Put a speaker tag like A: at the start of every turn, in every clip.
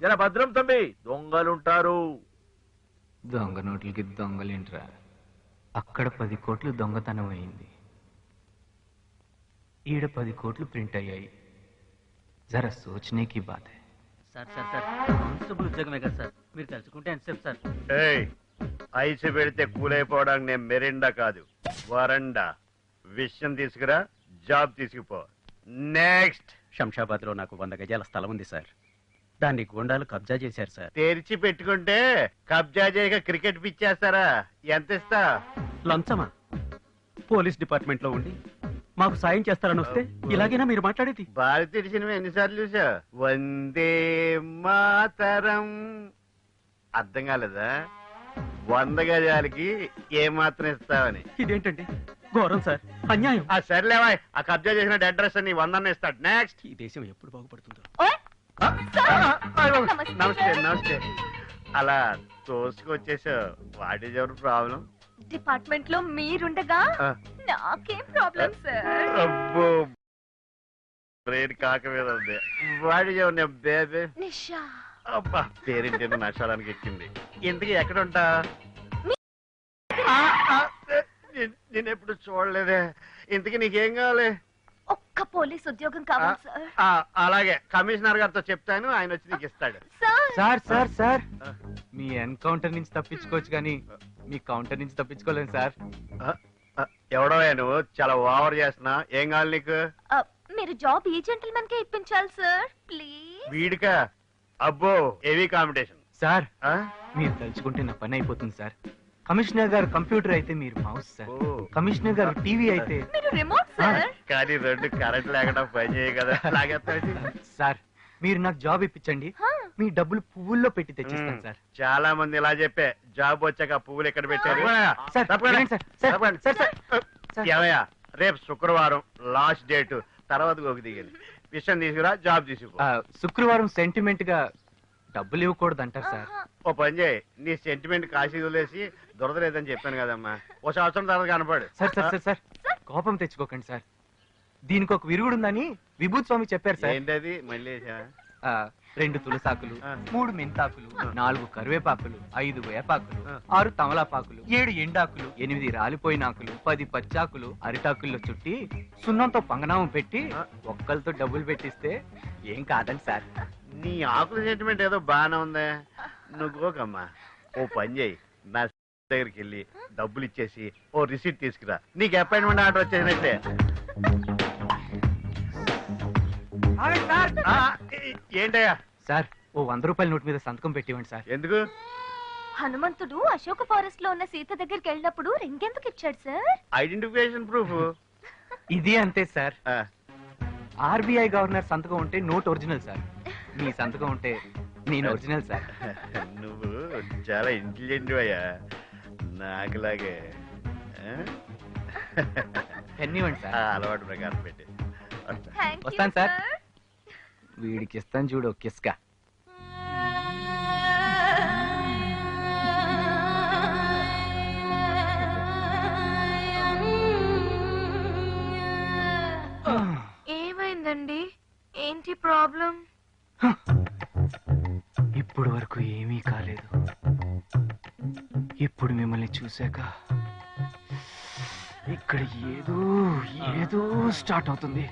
A: జర భద్రం తమ్మి, దొంగలుంటారు.
B: దొంగ నోట్లకి దొంగలేంట్రా? అక్కడ 10 కోట్లు దొంగతనం అయింది, ఈడ 10 కోట్లు ప్రింట్ అయ్యాయి. జరా సోచనే की बात है.
C: సార్ సార్ సార్ కానిస్టేబుల్ ఉద్యోగమే కదా సార్, మీరు తలుచుకుంటే ఎంతసేపు సార్?
D: ఐసు పెడితే కూలైపోవడానికి నేను మెరిండా కాదు, వరండా. విషయం తీసుకురా, జాబ్ తీసుకుపో. నెక్స్ట్.
E: శంషాబాద్ లో నాకు 100 గజాల స్థలం ఉంది సార్, దాన్ని గూండాలు కబ్జా చేశారు సార్.
D: తెరిచి పెట్టుకుంటే కబ్జా చేయక క్రికెట్ పిచ్చేస్తారా? ఎంత ఇస్తా?
E: లంచమా? పోలీస్ డిపార్ట్మెంట్ లో ఉండి మాకు సాయం చేస్తారని వస్తే ఇలాగైనా మీరు మాట్లాడేది?
D: భారతీయ సినిమా ఎన్నిసార్లు చూసా? వందే మాతరం. అర్థం కాలేదా? 100 గజాలకి ఏమాత్రం ఇస్తావని.
E: ఇదేంటండి ఘోరం సార్, అన్యాయం.
D: సర్లేవా, ఆ కబ్జా చేసిన అడ్రస్ ని 100 ఇస్తాడు. నెక్స్ట్.
E: ఈ దేశం ఎప్పుడు బాగుపడుతుందో.
D: నమస్తే నమస్తే. అలా తోసుకొచ్చేసావు. What is ever problem?
F: Department లో మీరుండగా నాకేం ప్రాబ్లం సార్?
D: అబ్బో, బ్రెయిన్ కాక మీద ఉంది. What is ever baby?
F: Nisha.
D: అబ్బా, పేరింటేనో నష్టానికి ఎక్కింది. ఇంతకీ ఎక్కడుంటా? నేను ఎప్పుడు చూడలేదే. ఇంతకీ నీకేం కావాలి?
F: ఒక్క పోలీస్ ఉద్యోగం కావాలి సార్.
D: అలాగే, కమిషనర్ గారితో చెప్తాను, ఆయన వచ్చి నీకు ఇస్తాడు.
B: సార్ సార్ సార్, మీ ఎన్కౌంటర్ నుంచి తప్పించుకోవచ్చు కానీ మీ కౌంటర్ నుంచి తప్పించుకోలేను సార్.
D: ఎవడో నువ్వు చాలా ఓవర్ చేస్తున్నా. ఏం కావాలి నీకు?
F: మీరు జాబ్ ఈ జెంటిల్మెన్ కే ఇప్పించాలి సార్, ప్లీజ్.
D: వీడికా? అబ్బో, హెవీ కాంపిటీషన్.
B: సార్ మీరు తలుచుకుంటే నా పని అయిపోతుంది సార్. కమిషనర్ గారు కంప్యూటర్ అయితే మీరు మౌస్ సార్, కమిషనర్ గారు టీవీ అయితే
F: మీరు రిమోట్ సార్.
D: కానీ 2 కరెంట్ లేకుండా పని చేయ కదా.
B: సార్ మీరు నాకు జాబ్ ఇప్పించండి, మీ డబ్బులు పువ్వుల్లో పెట్టి తెచ్చిస్తాను సార్.
D: చాలా మంది ఇలా చెప్పే జాబ్ వచ్చాక పువ్వులు ఎక్కడ పెట్టారు? ఏమయ్యా, రేపు శుక్రవారం లాస్ట్ డేట్, తర్వాత గోకి దిగింది. విషయం తీసుకురా, జాబ్ తీసుకో.
B: శుక్రవారం సెంటిమెంట్ గా డబ్బులు ఇవ్వకూడదు అంటారు సార్.
D: ఓ పని చేయి, నీ సెంటిమెంట్ కాశీ వదిలేసి దొరదలేదని చెప్పాను కదమ్మా, ఓ సంవత్సరం తర్వాత కనపడు.
B: సార్ సార్ సార్ సార్ కోపం తెచ్చుకోకండి సార్, దీనికి ఒక విరుగుడు ఉందని విభూతి స్వామి చెప్పారు సార్.
D: ఏంటది మళ్ళీ?
B: 2 తులసాకులు, 3 మెంతాకులు, 4 కరివేపాకులు, 5 వేపాకులు, 6 తమలాపాకులు, 7 ఎండాకులు, 8 రాలిపోయిన ఆకులు, 10 పచ్చాకులు అరిటాకుల్లో చుట్టి సున్నంతో పంగనామం పెట్టి ఒక్కలతో డబ్బులు పెట్టిస్తే ఏం కాదండి సార్.
D: నీ ఆకుల సెంటిమెంట్ ఏదో బాగానే ఉందే, నువ్వు గోకమ్మా. ఓ పని చేయి, నా దగ్గరికి వెళ్ళి డబ్బులు ఇచ్చేసి ఓ రిసీట్ తీసుకురా, నీకు అపాయింట్మెంట్ ఆర్డర్ వచ్చేసినట్టే. ఏంటయ్యా?
B: సార్ ఓ 100 రూపాయల నోట్ మీద సంతకం పెట్టివ్వండి సార్.
D: ఎందుకు?
F: హనుమంతుడు అశోక ఫారెస్ట్ లో ఉన్న సీత దగ్గరికి వెళ్ళినప్పుడు రింగెందుకు ఇచ్చాడు సార్?
D: Identification proof.
B: ఇది అంతే సార్. ఆర్బీఐ గవర్నర్ సంతకం ఉంటే నోట్ ఒరిజినల్ సార్, మీ సంతకం ఉంటే నేను ఒరిజినల్ సార్.
D: నువ్వు చాలా ఇంటెలిజెంట్ అయ్యా, నాకులాగే.
B: పెన్నివ్వండి సార్.
D: అలవాటు ప్రకారం పెట్టి
B: వస్తాను సార్. వీడికి ఇస్తాను చూడు కిస్కా.
F: ఏమైందండి? ఏంటి ప్రాబ్లం?
B: ఇప్పుడు వరకు ఏమీ కాలేదు, ఇప్పుడు మిమ్మల్ని చూశాక ఇక్కడ ఏదో ఏదో స్టార్ట్ అవుతుంది.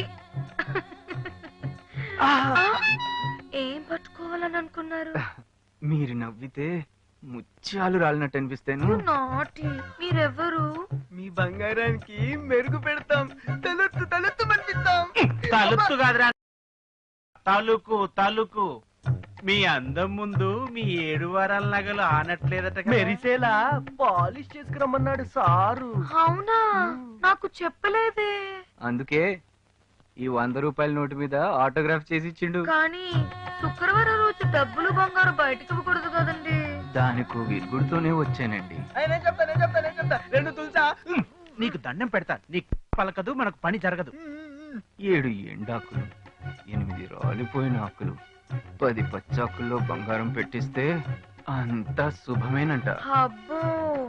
F: ఏం పట్టుకోవాలని అనుకున్నారు?
B: మీరు నవ్వితే ముత్యాలు రాలినట్టు అనిపిస్తాను.
F: మీరెవరు?
B: మీ బంగారానికి మెరుగు పెడతాం, తలెత్తు తలెత్తు మనిపిస్తాం.
A: తలుపు కాదురా, తలుకు తలుకు. మీ అందం ముందు మీ 7 వారాల నగలు ఆనట్లేదట.
B: మెరిసేలా పాలిష్ చేసుకురమ్మన్నాడు సారు.
F: అవునా? నాకు చెప్పలేదే.
B: అందుకే ఈ 100 రూపాయల నోటు మీద ఆటోగ్రాఫ్ చేసి ఇచ్చిండు.
F: కానీ శుక్రవారం రోజు డబ్బులు బంగారు బయటకు ఇవ్వకూడదు కదండి.
B: దానికి విరుగుడుతోనే వచ్చానండి.
A: 2 తులసా నీకు దండం పెడతా, నీకు పలకదు, మనకు పని జరగదు.
B: 7 ఎండాకులు, 8 రాలిపోయిన ఆకులు, 10 పచ్చాకుల్లో బంగారం పెట్టిస్తే అంతా శుభమేనంట.
F: అబ్బో,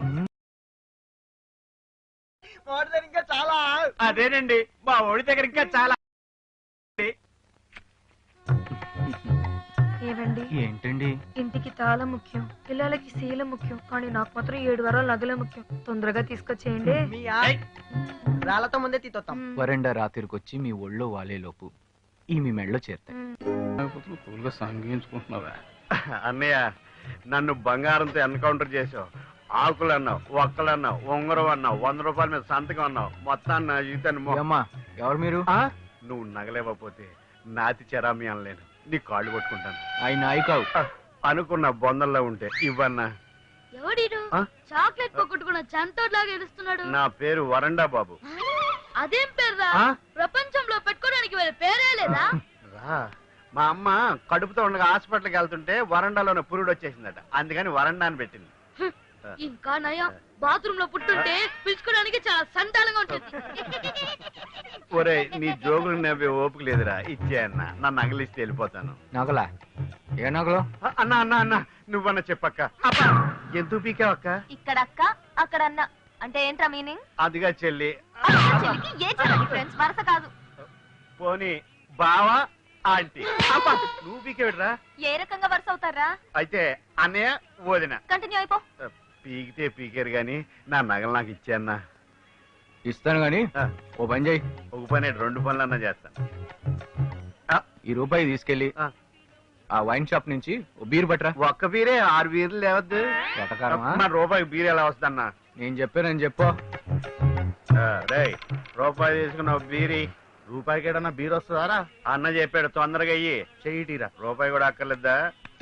A: ఇంకా చాలా. అదేనండి, మా ఓడి దగ్గర ఇంకా చాలా.
G: ఏవండి
B: ఏంటండి?
G: ఇంటికి తాళం ముఖ్యం, పిల్లలకి శీలం ముఖ్యం, కానీ నాకు మాత్రం 7 వారాల నగలే ముఖ్యం. తొందరగా తీసుకొచ్చేయండి.
C: రాళ్లతో ముందే తీతొత్తాం.
B: వరండా రాత్రికొచ్చి మీ ఒళ్ళో వాలేలోపు ఈ మీ మెళ్ళో చేరుతాయి.
E: సంగించుకుంటున్నావా?
D: అన్నయ్య నన్ను బంగారంతో ఎన్కౌంటర్ చేసావు. ఆకులు అన్నావు, ఒక్కలు అన్నావు, ఉంగరం అన్నావు, 100 రూపాయల మీద సంతకం అన్నావు. మొత్తాన్ని నా జీవితాన్ని
B: అమ్మా ఎవరు మీరు?
D: నువ్వు నగలేకపోతే నాతి చెరామి అనలేను, నీ కాళ్ళు కొట్టుకుంటాను.
B: ఆయన నాయకావు.
D: అనుకున్న బొందల్లో ఉంటే ఇవ్వన్నా.
F: ఎవడీడు
D: ఆ?
F: చాక్లెట్ పొగొట్టుకున్న చంటోడ్లాగా ఎడుస్తున్నాడు.
D: నా పేరు వరండా బాబు.
F: అదేం పేరురా?
D: ఆ?
F: ప్రపంచంలో పెట్టుకోవడానికి వేరే పేరే లేదా?
D: రా, మా అమ్మ కడుపుతో ఉండగా హాస్పిటల్కి వెళ్తుంటే వరండాలోనే పురుడు వచ్చేసిందట, అందుకని వరండా అని పెట్టింది.
F: ఇంకా నయం, బాత్రూమ్ లో పుట్టుంటే పిలుచుకోవడానికి చాలా సంతానంగా ఉంటుంది.
D: ఒరే నీ జోగులు నవ్వే ఓపిక లేదురా, ఇచ్చే అన్న, నా నగలిస్తే వెళ్ళిపోతాను.
B: నగలా? ఏ నగలు?
D: అన్న అన్న అన్న నువ్వన్న చెప్పక్క. ఎందుకు పీకావక్క?
F: ఇక్కడ అక్క అక్కడ అన్న అంటే ఏంట్రా మీనింగ్?
D: అదిగా చెల్లి.
F: ఏ ఫ్రెండ్స్ వరస కాదు.
D: పోనీ బావా ఆంటీ. అబ్బా, నువ్వు పీకేవిడ్రా?
F: ఏ రకంగా వరుస అవుతారా?
D: అయితే అన్నయ్య వదిన.
F: కంటిన్యూ అయిపో.
D: పీకితే పీకారు గాని నా నగలు నాకు ఇచ్చే అన్న.
B: ఇస్తాను గాని ఓ పని చేయి.
D: ఒక పని 2 పనులన్నా చేస్తాను.
B: ఈ రూపాయి తీసుకెళ్లి
D: ఆ.
B: ఆ వైన్ షాప్ నుంచి ఓ బీర్ పట్టరా.
D: ఒక్క బీరే 6 బీర్లు లేవద్దు.
B: ఎటకారమా?
D: మా రూపాయి బీర్ ఎలా వద్దన్నా?
B: నేను చెప్పానని చెప్పు.
D: రేయ్, రూపాయి తీసుకున్న బీరి. రూపాయికి ఏడన్నా బీర్ వస్తుందారా? అన్న చెప్పాడు, తొందరగా అయ్యి చెయ్యిటీరా. రూపాయి కూడా అక్కర్లేదా?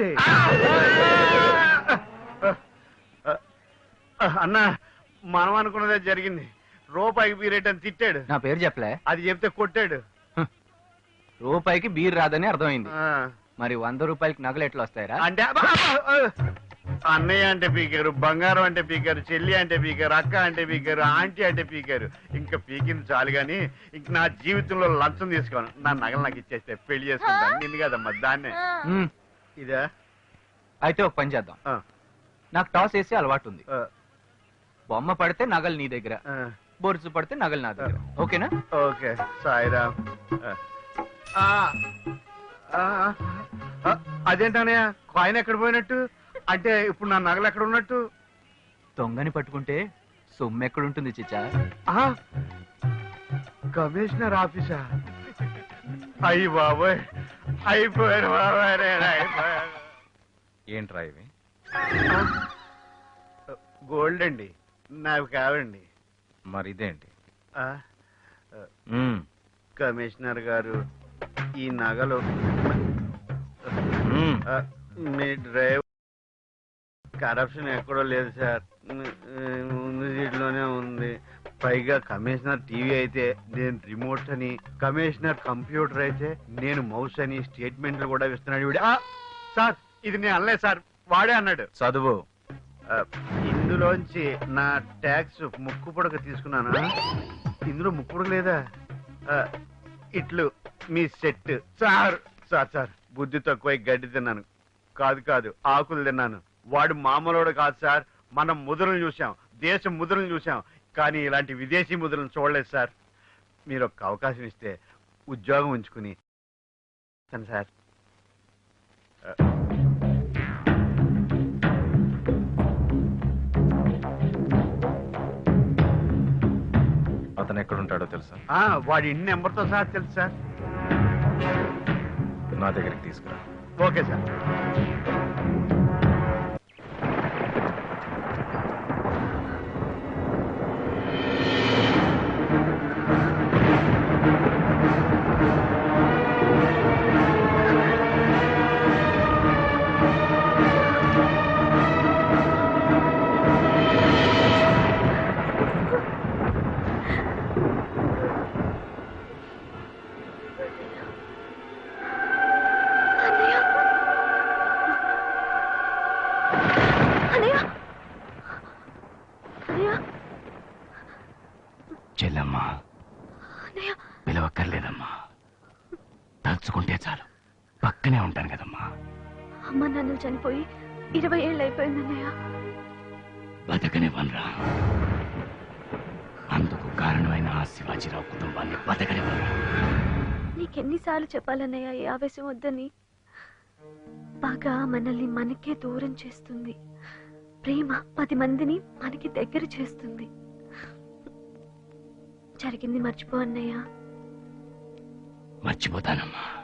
D: అన్న మనం అనుకున్నదే జరిగింది. రూపాయికి బీర్ అని తిట్టాడు.
B: నా పేరు చెప్పలే.
D: అది చెప్తే కొట్టాడు.
B: రూపాయికి బీర్ రాదని అర్థమైంది.
D: ఆ,
B: మరి 100 రూపాయలకి నగలు ఎట్లా వస్తాయరా?
D: అంటే అన్నయ్య అంటే పీకారు, బంగారం అంటే పీకారు, చెల్లి అంటే పీకారు, అక్క అంటే పీకారు, ఆంటీ అంటే పీకారు. ఇంకా పీకింది చాలు గాని ఇంక నా జీవితంలో లంచం తీసుకోను. నా నగలు నాకు ఇచ్చేస్తే పెళ్లి చేసుకుంటాను. నిన్ను కదమ్మా, దాన్నే. ఇదా?
B: అయితే ఒక పని చేద్దాం.
D: ఆ,
B: నాకు టాస్ వేసి అలవాటు ఉంది.
D: ఆ,
B: బొమ్మ పడితే నగలు నీ దగ్గర,
D: ఆ,
B: బొరుసు పడితే నగలు నా దగ్గర. ఓకేనా?
D: ఓకే సాయిరామ్. అదేంటనయ్య కాయిన్ ఎక్కడ పోయినట్టు? అంటే ఇప్పుడు నా నగలు ఎక్కడ ఉన్నట్టు?
B: దొంగని పట్టుకుంటే సొమ్ము ఎక్కడుంటుంది చిచ్చా?
D: కమిషనర్ ఆఫీసా? అయ్యి బాబోయ్, అయిపోయారు బాబాయ్, అయిపోయారు.
H: ఏంట్రా ఇవి?
D: గోల్డ్ అండి, నాకు కావండి.
H: మరి ఇదేంటి?
D: ఆ, కమిషనర్ గారు ఈ నగలు మీ డ్రైవర్ కరప్షన్ ఎక్కడో లేదు సార్, ముందు సీట్లోనే ఉంది. పైగా కమిషనర్ టీవీ అయితే నేను రిమోట్ అని, కమిషనర్ కంప్యూటర్ అయితే నేను మౌస్ అని స్టేట్మెంట్లు కూడా ఇస్తున్నాడు వీడు. సార్ ఇది నేను అనలేదు సార్, వాడే అన్నాడు.
H: చదువు.
D: ఇందులోంచి నా ట్యాక్స్ ముక్కు పుడక తీసుకున్నాను. ఇందులో ముక్కు పుడక లేదా? ఇట్లు మీ సెట్. సార్ సార్ సార్ బుద్ధి తక్కువ గడ్డి తిన్నాను. కాదు ఆకులు తిన్నాను. వాడు మామూలుడు కాదు సార్. మనం ముద్రలు చూసాం, దేశం ముద్రలు చూసాం, కానీ ఇలాంటి విదేశీ ముద్రలను చూడలేదు సార్. మీరు ఒక అవకాశం ఇస్తే ఉద్యోగం ఉంచుకుని సార్.
H: అతను ఎక్కడుంటాడో తెలుసా?
D: వాడి ఇంటి నెంబర్తో సార్ తెలుసు సార్.
H: నా దగ్గరికి తీసుకురా.
D: Okay sir.
B: చెల్లమ్మా, పిలవక్కర్లేదమ్మా. తలుచుకుంటే చాలు, పక్కనే ఉంటాను కదమ్మా.
F: అమ్మ నాన్న చనిపోయి 20 ఏళ్ళు అయిపోయిందన్నయ్య.
B: బతకనివ్వనరా. అందుకు కారణమైన ఆ శివాజీరావు కుటుంబాన్ని బతకనివ్వనరా.
F: నీకెన్నిసార్లు చెప్పాలన్నయ్య ఈ ఆవేశం వద్దని? పగ మనల్ని మనకే దూరం చేస్తుంది, ప్రేమ 10 మందిని మనకి దగ్గర చేస్తుంది. జరిగింది మర్చిపో అన్నయ్య.
C: మర్చిపోతానమ్మా.